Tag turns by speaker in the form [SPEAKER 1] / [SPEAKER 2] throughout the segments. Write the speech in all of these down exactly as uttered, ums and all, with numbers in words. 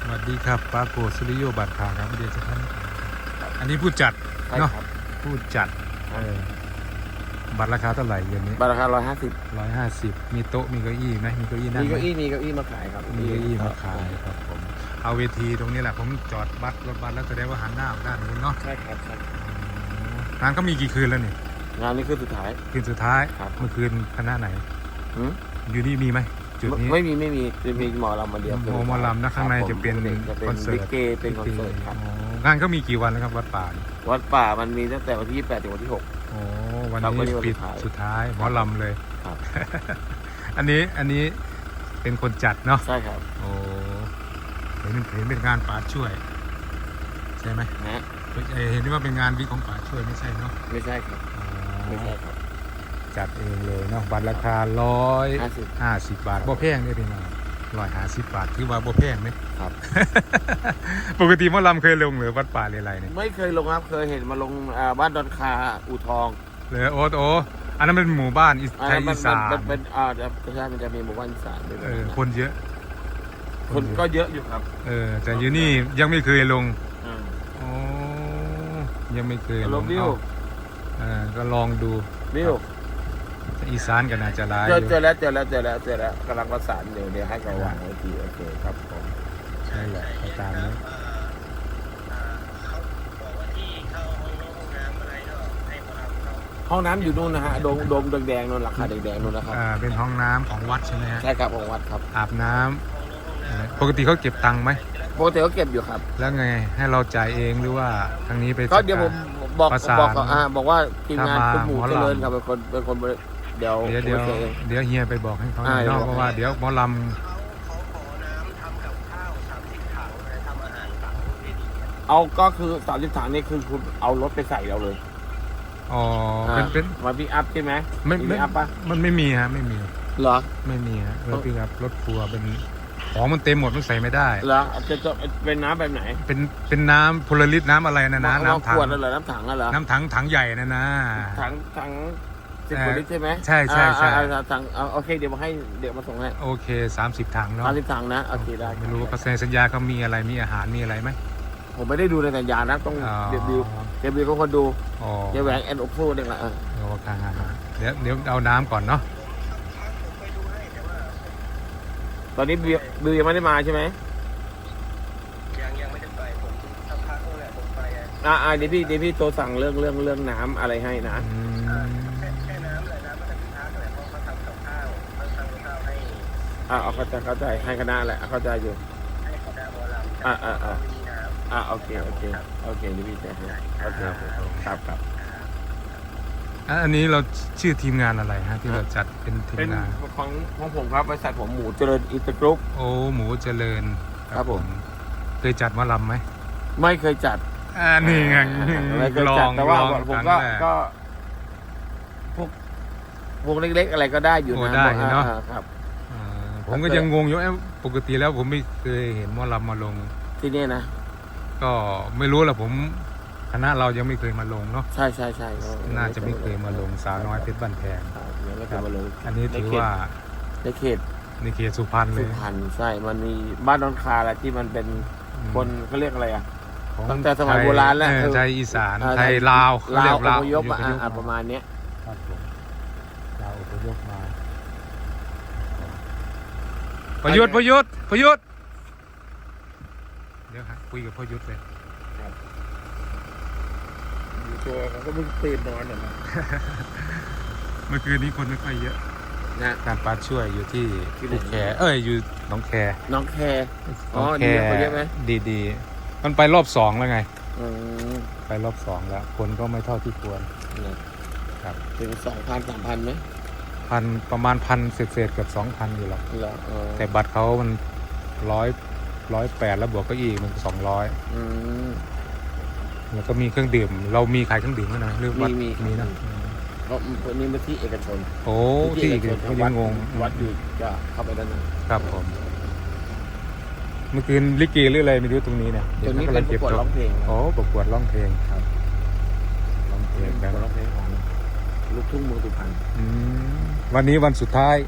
[SPEAKER 1] วัสดีครับปาโกสุริโยบัตรขาครับเดียวจะท่านอันนี้ผู้จัดเนาะผู้จัดเออบัตรราคาเท่าไหร่เย็นนี้
[SPEAKER 2] บัตรราคาร้อยห้าสิบ
[SPEAKER 1] ร้อยห้าสิบมีโต๊ะมีเก้าอี้ไหมมีเก้าอี้นั่ง
[SPEAKER 2] มี
[SPEAKER 1] ไหม
[SPEAKER 2] เก้าอี้มีเก้าอี้มาขายครับ
[SPEAKER 1] มีเก้าอี้มาขายครับผมเอาเวทีตรงนี้แหละผมจอดบัตรรถบัตรแล้วแสดงว่าหันหน้าออกด้านนู้นเนาะ
[SPEAKER 2] ใช่ครับใช่
[SPEAKER 1] งานก็มีกี่คืนแล้วนี่
[SPEAKER 2] งานนี้คือสุดท้าย
[SPEAKER 1] คืนสุดท้ายเมื่อคืนคณะไหนอยู่นี่มีไหมจุดนี้
[SPEAKER 2] ไม่มีไม่มีจะมีหมอลำมาเดียว
[SPEAKER 1] หมอลำนะข้างในจะเป็นคอนเสิร์ต
[SPEAKER 2] เป็นคอนเสิร์ตครับ
[SPEAKER 1] งานก็มีกี่วันแล้วครับวัดป่า
[SPEAKER 2] วัดป่ามันมีตั้งแต่วันที่ยี่สิบแปดถึงวันที่หก
[SPEAKER 1] โอ้วันนี้ปิดสุดท้ายหมอลำเลย
[SPEAKER 2] ครับ
[SPEAKER 1] อันนี้อันนี้เป็นคนจัดเนาะ
[SPEAKER 2] ใช่ครับ
[SPEAKER 1] โอ้เห็นเห็นเป็นงานป่าช่วยใช่ไหม
[SPEAKER 2] นะ
[SPEAKER 1] เห็นว่าเป็นงานวิของป่าช่วยไม่ใช่เนาะ
[SPEAKER 2] ไม่ใช่ครับไม่ใช่ครับ
[SPEAKER 1] จัดเองเลยเนาะบัตรราคาร้อยห้าสิบบาทบ่แพงได้พี่น้องร้อยห้าสิบบาทถือว่าบ่แพงไหม
[SPEAKER 2] ครับ
[SPEAKER 1] ปกติหมอลำเคยลงหรือวัดป่าเรไรเนี่ย
[SPEAKER 2] ไม่เคยลงครับเคยเห็นมาลงบ้านดอนคาอู่ทอง
[SPEAKER 1] เลยโอ้โออันนั้นเป็นหมู่บ้านไทยอีสาน
[SPEAKER 2] มันเป็นอ่าใช่มันจะมีหมู่บ้านอีสานด้วย
[SPEAKER 1] เออคนเยอะ
[SPEAKER 2] คนก็เยอะอยู่ครับ
[SPEAKER 1] เออแต่อยู่นี่ยังไม่เคยลงโอ้ยังไม่เคยลงเออก็ลองดู
[SPEAKER 2] วิว
[SPEAKER 1] อีสานกันอาจจะร้าย
[SPEAKER 2] เจอเจอแล้วเจอแล้วเจอแล้วเจอแล้วกำลังประสานเดี๋ยวเดี๋ยวให้เขาวางไว้ทีโอเคครับผม
[SPEAKER 1] ใช่เลยตามนี้
[SPEAKER 2] ห้องน้ำอยู่นู่นนะฮะโดมโดมแดงๆนู่นราคาแดงๆนู่นนะครับ
[SPEAKER 1] อ่าเป็นห้องน้ำของวัดใช่ไหมฮะ
[SPEAKER 2] ใช่ครับของวัดครับ
[SPEAKER 1] อาบน้ำปกติเขาเก็บตังค์ไหม
[SPEAKER 2] ปกติเขาเก็บอยู่ครับ
[SPEAKER 1] แล้วไงให้เราจ่ายเองหรือว่าทางนี้ไป
[SPEAKER 2] ก็เดี๋ยวผมบอกบอกอ่าบอกว่าทีมงานคุณหมูเจริญครับเป็นคนเป็นคนเดี๋ยว
[SPEAKER 1] เดี๋ยวเดี๋ยวเดี๋ยวเฮียไปบอกให้เขาเนาะเพราะว่าเดี๋ยวหมอลำ
[SPEAKER 2] เอาก็คือสามสิบถังนี่คือคุณเอารถไปใส่เราเลย
[SPEAKER 1] อ๋อเป็นเป็น
[SPEAKER 2] มาพิกอัพใช่ไหม
[SPEAKER 1] ไม่ไม่อัพปะมันไม่มีฮะไม่มี
[SPEAKER 2] เหรอ
[SPEAKER 1] ไม่มีฮะรถพิกอัพรถทัวร์เป็นของมันเต็มหมดมันใส่ไม่ได้
[SPEAKER 2] เหรอจะจะเป็นน้ำแบบไหน
[SPEAKER 1] เป็นเป็นน้ำพลลิตรน้ำอะไรนะนะ
[SPEAKER 2] น้ำถังขวดอะไรน้ำถังอะไร
[SPEAKER 1] น้ำถังถังใหญ่นะนะ
[SPEAKER 2] ถังถังสิบลิตรใช่ไหม
[SPEAKER 1] ใช่ใช่ใช่
[SPEAKER 2] ถังโอเคเดี๋ยวมาให้เดี๋ยวมาส่งให้
[SPEAKER 1] โอเคสามสิบถังเนาะ
[SPEAKER 2] สามสิบถังนะโอเคได้
[SPEAKER 1] ไม่รู้ว่าสัญญาเขามีอะไรมีอาหารมีอะไรไหม
[SPEAKER 2] ผมไม่ได้ดูในสัญญานะต้องเดี๋ยวดิวเดี๋ยวดิวเขาคนดูเดี๋ยวแหวงแอนโอพูดเองละเออ
[SPEAKER 1] โอเคเดี๋ยวเดี๋ยวเอาน้ำก่อนเนาะ
[SPEAKER 2] ตอนนี้บิวบิวยังไม่ได้มาใช่ไหม
[SPEAKER 3] ยังยังไม่ได้ไปผมสักพักนึงแหละผมไป
[SPEAKER 2] อ่าอ่าเดี๋ยวพี่เดี๋ยวพี่โทรสั่งเรื่องเรื่องเรื่องน้ำอะไรให้นะ
[SPEAKER 3] แค่แค่น้ำเลยน้ำมาจากที่พักเลยเพราะเขาทำกับข้าวเขาทำกับข้าวให้
[SPEAKER 2] อ่าเอาเข้าใจเข้าใจให้คณะแหละเข้าใจอยู่
[SPEAKER 3] ให้คณะหมอลำ
[SPEAKER 2] อ่าอ่าอ่าอ่าโอเคโอเคโอเคเดี๋ยวพี่จะให้โอเคครับครับ
[SPEAKER 1] อันนี้เราชื่อทีมงานอะไรฮะที่เราจัดเป็นทีมงาน
[SPEAKER 2] ของของผมครับบริษัทผมหมูเจริญอินเตอร์กรุ๊ป
[SPEAKER 1] โอ้หมูเจริญ
[SPEAKER 2] ครับผม
[SPEAKER 1] เคยจัดหมอลำไหม
[SPEAKER 2] ไม่เคยจัด
[SPEAKER 1] อ่านี่ไง
[SPEAKER 2] ลองแต่ว่าผมก็ก็พวกวงเล็กๆอะไรก็ได้อยู่นะ
[SPEAKER 1] ได้เนาะ
[SPEAKER 2] ครับ
[SPEAKER 1] ผมก็ยังงงอยู่ปกติแล้วผมไม่เคยเห็นหมอลำมาลง
[SPEAKER 2] ที่นี่นะ
[SPEAKER 1] ก็ไม่รู้แหละผมคณะเรายังไม่เคยมาลงเนาะ
[SPEAKER 2] ใช่ใช่ใช่
[SPEAKER 1] น่าจะไม่เคยมาลงสาวน้อยเพชรบ้านแพง
[SPEAKER 2] ครับ
[SPEAKER 1] อันนี้ถือว่า
[SPEAKER 2] ในเขต
[SPEAKER 1] ในเขตสุพรรณเลย
[SPEAKER 2] สุพรรณใช่มันมีบ้านดอนคาแหละที่มันเป็นคนเขาเรียกอะไรอ่ะตั้งแต่สมัยโบราณแล้ว
[SPEAKER 1] ไทยอีสานไทยลาว
[SPEAKER 2] ลาวอพยพอ่ะประมาณเนี้ย
[SPEAKER 1] ครับผมลาวอพยพมาประยุทธ์ประยุทธ์ประยุทธ์เดี๋ยวครับคุยกับประยุทธ์เลย
[SPEAKER 2] ตัวเขาก็เพิ่งตื่นนอนเหรอ
[SPEAKER 1] เมื่อคืนนี้คนไม่ค่อยเยอะ
[SPEAKER 2] นะ
[SPEAKER 1] การปาช่วยอยู่ที่ภูแคเอ้ยอยู่หนองแค
[SPEAKER 2] น้องแคอ๋อดีเขาเยอะไหม
[SPEAKER 1] ดีดีมันไปรอบสองแล้วไงไปรอบสองแล้วคนก็ไม่เท่าที่ควร
[SPEAKER 2] ครับถึงสองพันสามพันไหม
[SPEAKER 1] พันประมาณพันเศษเศษเกือบสองพันอยู่หรอกแต่บัตรเขามันร้อยร้อยแปดแล้วบวกก็อีกมันสองร้อยแล้วก็มีเครื่องดื่มเรามีขายเครื่องดื่มไหมนะหรือวัดมีนะ
[SPEAKER 2] เพราะนี่มันที่เอกชน
[SPEAKER 1] โอ้ที่เอกชนเขายังงง
[SPEAKER 2] วัดอยู่ก็เข้าไปด้านใน
[SPEAKER 1] ครับผมเมื่อคืนลิเกหรืออะไรไม่รู้ตรงนี้เนี่ย
[SPEAKER 2] ตรงนี้เป็นประกวดร้องเพลง
[SPEAKER 1] โอ้ประกวดร้องเพลง
[SPEAKER 2] ครับร้องเพลงแบบร้องเพลงของลูกทุ่งเมืองสุพรรณ
[SPEAKER 1] วันนี้วันสุดท้าย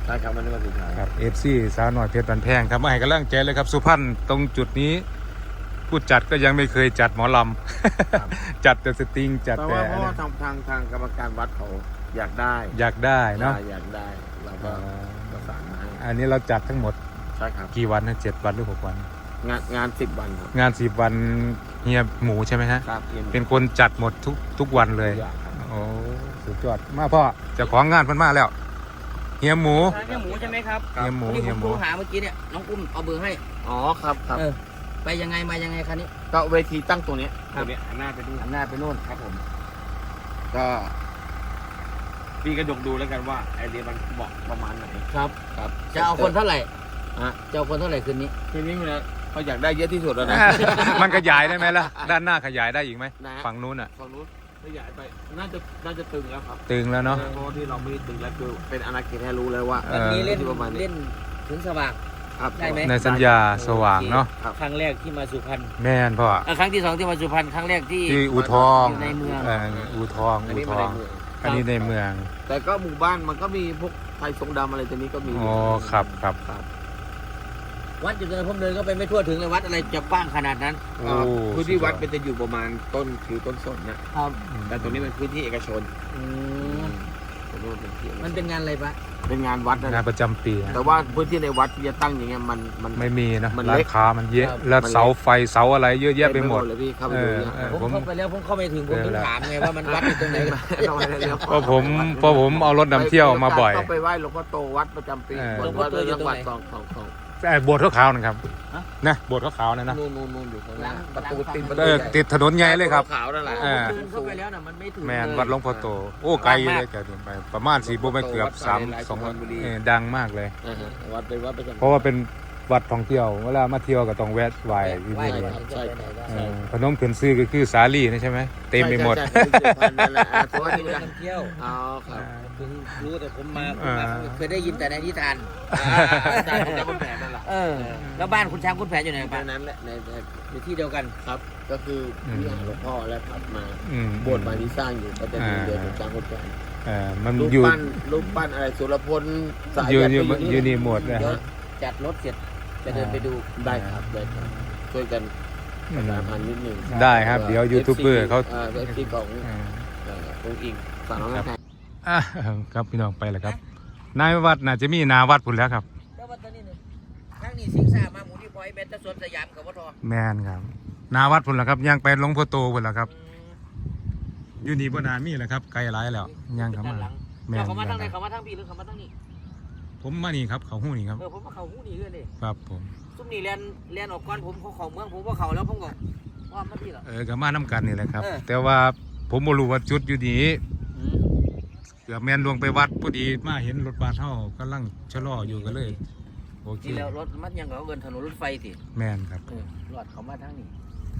[SPEAKER 2] ใช่ครับมันนี่วันสุดท้าย
[SPEAKER 1] ครับเอฟซีสาวหน่อยเพชรบันแพงครับมาให้กำลังใจเลยครับสุพรรณตรงจุดนี้ผู้จัดก็ยังไม่เคยจัดหมอลำ จัดแต่สตริงจัด
[SPEAKER 2] แต่
[SPEAKER 1] แต่
[SPEAKER 2] ว่าเพราะว่าทางทางทางกรรมการวัดเขาอยากได้
[SPEAKER 1] อยากได้เนาะ
[SPEAKER 2] อยากได้เราก็ประสานมาให้
[SPEAKER 1] อันนี้เราจัดทั้งหมด
[SPEAKER 2] ใช่ครับ
[SPEAKER 1] กี่วันนะเจ็ดวันหรือหกวัน
[SPEAKER 2] งานงานสิบวันครับ
[SPEAKER 1] งานสิบวันเฮียหมูใช่ไหมฮะ
[SPEAKER 2] ครับ
[SPEAKER 1] เป็นคนจัดหมดทุกทุกวันเลย
[SPEAKER 2] ทุกอย่างครับ
[SPEAKER 1] โอ้สุดยอดมาพ่อเจะของงานเพิ่นมาแล้วเฮียหมู
[SPEAKER 4] ร้านเฮียหมูใช่ไหมครับ
[SPEAKER 1] เฮียหมู
[SPEAKER 4] ที่ผ
[SPEAKER 1] เฮีย
[SPEAKER 4] ม
[SPEAKER 1] ห
[SPEAKER 4] โท
[SPEAKER 1] มู
[SPEAKER 4] รหาเมื่อกี้เนี่ยน้องอุ้มเอาเบอร์ให้
[SPEAKER 2] อ๋อครับครับ
[SPEAKER 4] เออไปยังไงมายังไงคันนี้
[SPEAKER 2] ก็เวทีตั้งตรงนี้
[SPEAKER 4] ครั
[SPEAKER 2] ต
[SPEAKER 4] บ
[SPEAKER 2] รงนี้หันหน้าไปดู
[SPEAKER 4] หันหน้าไปนู่นครับผม
[SPEAKER 2] ก็พี่กระดกดูแล้วกันว่าไอเดียมันเหมาะประมาณไหน
[SPEAKER 4] ครับ
[SPEAKER 2] ครับ
[SPEAKER 4] จะเอาคนเท่าไหร่
[SPEAKER 2] อ่ะ
[SPEAKER 4] จะเอาคนเท่าไหร่คืนนี้
[SPEAKER 2] ทีนี้มันเขาอยากได้เยอะที่สุดแล้วนะ
[SPEAKER 1] มันขยายได้ไหมล่ะ ด้านหน้าขยายได้อีกไหม
[SPEAKER 2] นะ
[SPEAKER 1] ฝั่งนู้นอ่ะ
[SPEAKER 2] ฝั่งนู้นขยายไปน่าจะน่าจะตึงแล้วครับ
[SPEAKER 1] ตึงแล้วเนาะ
[SPEAKER 2] เพราะว่าที่เราไม่ได้ตึงแล้วคือเป็นอาณาเขตให้รู้แล้วว่า
[SPEAKER 1] เอ
[SPEAKER 4] วัน
[SPEAKER 1] อ
[SPEAKER 4] นี้เล่น
[SPEAKER 2] ที่ประมาณนี้
[SPEAKER 4] เล่นถึงสว่าง
[SPEAKER 2] ครับ
[SPEAKER 4] ได้ไหม
[SPEAKER 1] ในสัญญาสว่างเนาะ
[SPEAKER 2] ครับ
[SPEAKER 4] ครั้งแรกที่มาสุพรรณ
[SPEAKER 1] แม่นพ่อ
[SPEAKER 4] เอ่อครั้งที่สองที่มาสุพรรณครั้งแรกที่
[SPEAKER 1] ที่อูทอง
[SPEAKER 4] อยู่ในเมือง
[SPEAKER 1] เอออูทอง
[SPEAKER 2] อัน
[SPEAKER 1] อู
[SPEAKER 2] นี้
[SPEAKER 1] ท
[SPEAKER 2] ไม่
[SPEAKER 1] อ
[SPEAKER 2] ได้
[SPEAKER 1] ง
[SPEAKER 2] เมือง
[SPEAKER 1] อันนี้ในเมือง
[SPEAKER 2] แต่ก็หมู่บ้านมันก็มีพวกไทยทรงดำอะไรตัวนี้ก็มี
[SPEAKER 1] อ๋อครับครับ
[SPEAKER 2] ครับ
[SPEAKER 4] วัดจุดเดินผมเดินก็ไปไม่ทั่วถึงเลยวัดอะไรจะกว้างขนาดนั้น
[SPEAKER 1] โอ้
[SPEAKER 2] อ่าพื้นที่วัดเป็นจะอยู่ประมาณต้นคือต้นสนนะครับ แต่ตรงนี้เป็นพื้นที่เอกชน
[SPEAKER 4] อืม
[SPEAKER 2] ตรงนี้มันเป็นที่เอกช
[SPEAKER 4] มันเป็นงานอะไรปะ
[SPEAKER 2] เป็นงานวัดนะ
[SPEAKER 1] งานประจำปี
[SPEAKER 2] แต่ว่าพื้นที่ในวัดที่จะตั้งอย่างเงี้ยมันมัน
[SPEAKER 1] ไม่มีนะ
[SPEAKER 2] มัน
[SPEAKER 1] ร้า
[SPEAKER 2] เล็
[SPEAKER 1] น
[SPEAKER 2] ก
[SPEAKER 1] ค้ามันเยอะ
[SPEAKER 4] ครับ
[SPEAKER 1] แล้ว
[SPEAKER 2] มันเล็ก
[SPEAKER 1] เสาไฟเสาอะไรเยอะแยะไปหมด
[SPEAKER 2] เลยพี่เข้าไปดูเนี่ย
[SPEAKER 1] เออ
[SPEAKER 4] ผม
[SPEAKER 1] ผม
[SPEAKER 4] เข้าไปแล้วผมเข้าไม่ถึงผมถึง
[SPEAKER 1] เออ
[SPEAKER 4] ถามไงว่ามันวัดอยู่ตรงไหนกัน
[SPEAKER 2] ทำไมได้เรียก
[SPEAKER 1] เพราะผมเพราะผมเอารถนำเที่ยวมาบ่อย
[SPEAKER 2] ต้องไปไหว้หลวงพ่อโตวัดประจำปี
[SPEAKER 1] เออ
[SPEAKER 2] วัดวัดจังหวัดสองสองสอง
[SPEAKER 1] แต่โบสถ์ขาวๆนะครับนะโบสถ์ขาวๆนะนะ
[SPEAKER 2] นู่นนู่นนู่นอยู่ข้างหน้า
[SPEAKER 4] หลัง
[SPEAKER 2] ประตู
[SPEAKER 4] หลัง
[SPEAKER 2] ติดประ
[SPEAKER 1] เอ
[SPEAKER 2] ตู
[SPEAKER 1] อ
[SPEAKER 2] ใหญ่
[SPEAKER 1] ติดถนนใหญ่เลยครับ
[SPEAKER 2] ขาวนั่นแหละ
[SPEAKER 1] เออ
[SPEAKER 4] เดินเข้าไปแล้วน่ะมันไม่ถึง
[SPEAKER 1] แมน
[SPEAKER 4] เลย
[SPEAKER 1] วัดหลวงพ่อโตโอ้ไกลอยู่เลยแกเดินไปประมาณสี่โมงไปเกือบสามสองเออดังมากเลย
[SPEAKER 2] อ่าฮะวัดเป็นวัดประจำ
[SPEAKER 1] เพราะว่าเป็นวัดท่องเที่ยวเวลามาเที่ยวก็ต้องแวะไหว้ที่
[SPEAKER 4] ไหว้
[SPEAKER 1] นี่
[SPEAKER 4] ก่อน
[SPEAKER 2] ใช่
[SPEAKER 4] จะ
[SPEAKER 2] ครับ
[SPEAKER 4] ไปไหนได้
[SPEAKER 1] เออพนมขึ้นซื้อก็คือสาลีนี่ใช่ไหมเต็มไปหมด
[SPEAKER 2] ใช่ใช่ใช่สุพรรณนั่นแหละอ่าตัว
[SPEAKER 4] วัน
[SPEAKER 2] นี้
[SPEAKER 4] นี้
[SPEAKER 2] นะ
[SPEAKER 4] ไปเที่ยว
[SPEAKER 2] อ๋อครับ
[SPEAKER 4] เพิ่งรู้แต่ผมมาผม
[SPEAKER 1] อ่า
[SPEAKER 4] มาเคยได้ยินแต่ในนิทาน
[SPEAKER 2] อาจารย์อาจารย์คุณแผนนั่นแหละ
[SPEAKER 4] เออ แล้วบ้านคุณช้างคุณแผนอยู่ไหน
[SPEAKER 2] แค่
[SPEAKER 4] บ้าน
[SPEAKER 2] นั้นแหละในใน
[SPEAKER 4] อยู่ที่เดียวกัน
[SPEAKER 2] ครับ ก็คือวิหารหลวงพ่อและถัดมา
[SPEAKER 1] อืม
[SPEAKER 2] โบสถ์ใหม่ที่สร้างอยู่ก็จะมี
[SPEAKER 1] อ่า
[SPEAKER 2] เดือนของจางคนแก่
[SPEAKER 1] เออมัน
[SPEAKER 2] รูป
[SPEAKER 1] อยู่
[SPEAKER 2] ปั้นรูปปั้นอะไรสุรพลสาย
[SPEAKER 1] อยู่
[SPEAKER 2] ยัน
[SPEAKER 1] อยู่
[SPEAKER 2] ไป
[SPEAKER 1] อยู่นี่หมดนะ
[SPEAKER 4] เดี๋ยว
[SPEAKER 1] ฮะ
[SPEAKER 4] จัดรถเสร็จจะเดินไปดู
[SPEAKER 2] ได้ครับได้ครับช่วยกันประชาสัมพันธ์นิดหนึ่ง
[SPEAKER 1] ได้ครับเดี๋ยวยูทูบเบอร์เขา
[SPEAKER 2] เออฟซีของ
[SPEAKER 1] เออ
[SPEAKER 2] เอ่อองค์อิงสาวน้อง
[SPEAKER 1] ครับ
[SPEAKER 2] แพง
[SPEAKER 1] อ่ะครับพี่น้องไปแล้วครับนายวัดน่าจะมีนาวัดพุ่นแล้วครับ
[SPEAKER 4] แล้ววันตอนนี้เนี่ยข้างนี้สิงซ่ามาหมูที่พอยเบนตะสวนสยามกับวัดทอ
[SPEAKER 1] แมนครับนาวัดพุ่นแล้วครับย่างไปหลวงพ่อโตพุ่นแล้วครับอยู่นี่บ่นานมีแล้วครับไกลหลายแล้วย่างเข้า
[SPEAKER 4] ด้าน
[SPEAKER 1] มา
[SPEAKER 4] หลัง
[SPEAKER 1] แมน
[SPEAKER 4] เขามาทางไหนเขามาทางพี่หรือเขามาทางนี้
[SPEAKER 1] ผมมานี่ครับเขาหู้นี่ครับ
[SPEAKER 4] เออผมมาเขาหูนี่เรื่อยเลย
[SPEAKER 1] ครับผม
[SPEAKER 4] ซุ่มนี่เรียนเรียนออกก่อนผมเขาเขาเมืองผมว่าเขาแล้วผมก็ว่ามาที่เหรอ
[SPEAKER 1] เออกับมาน้ำกันนี่แหละครับ
[SPEAKER 4] เออ
[SPEAKER 1] แต่ว่าผมบ่รู้ว่าจุดอยู่นี่เกือบแมนลวงไปวัดพอดีมาเห็นรถบัสเฮากำลังชะลออยู่ก็เลยโอเค
[SPEAKER 4] นี่แล้วรถมันยังเขาเอินถนนรถไฟสิ
[SPEAKER 1] แมนครับ
[SPEAKER 4] เออรถเขามาทางนี้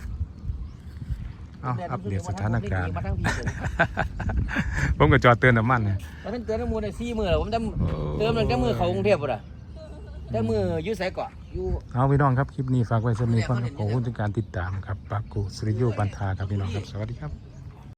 [SPEAKER 1] เอาอัปเดตสถานการณ์
[SPEAKER 4] มาทางพี่ผม
[SPEAKER 1] ผมก็จอดเตือนน้ำมันนะ
[SPEAKER 4] มาทางเตือนน้ำมูลในสี่มือแล้วผมจะเติมมันก็มือเขากรุงเทพป่ะแต่มืออยุ่ใส่เกาะอยู่
[SPEAKER 1] เอาพี่น้องครับคลิปนี้ฝากไว้สำหรับนี้ก่อนครับขอบคุณทุกการติดตามครับปากกูสุริโยบันทาครับพี่น้องครับสวัสดีครับ